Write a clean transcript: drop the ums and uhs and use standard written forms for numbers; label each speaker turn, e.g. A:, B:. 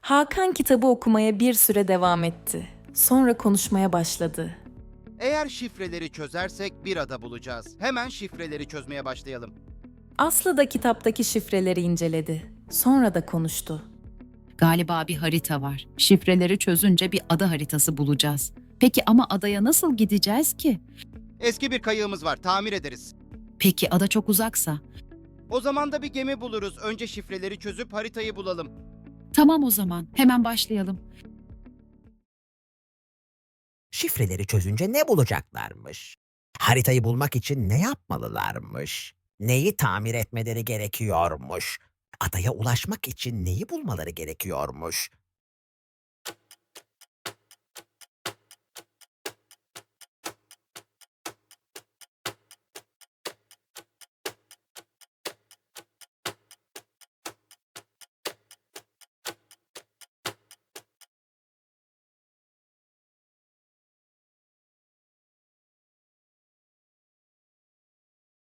A: Hakan kitabı okumaya bir süre devam etti. Sonra konuşmaya başladı.
B: Eğer şifreleri çözersek bir ada bulacağız. Hemen şifreleri çözmeye başlayalım.
A: Aslı da kitaptaki şifreleri inceledi. Sonra da konuştu.
C: Galiba bir harita var. Şifreleri çözünce bir ada haritası bulacağız. Peki ama adaya nasıl gideceğiz ki?
B: Eski bir kayığımız var, tamir ederiz.
C: Peki ada çok uzaksa?
B: O zaman da bir gemi buluruz. Önce şifreleri çözüp haritayı bulalım.
C: Tamam o zaman. Hemen başlayalım.
D: Şifreleri çözünce ne bulacaklarmış? Haritayı bulmak için ne yapmalılarmış? Neyi tamir etmeleri gerekiyormuş? Adaya ulaşmak için neyi bulmaları gerekiyormuş?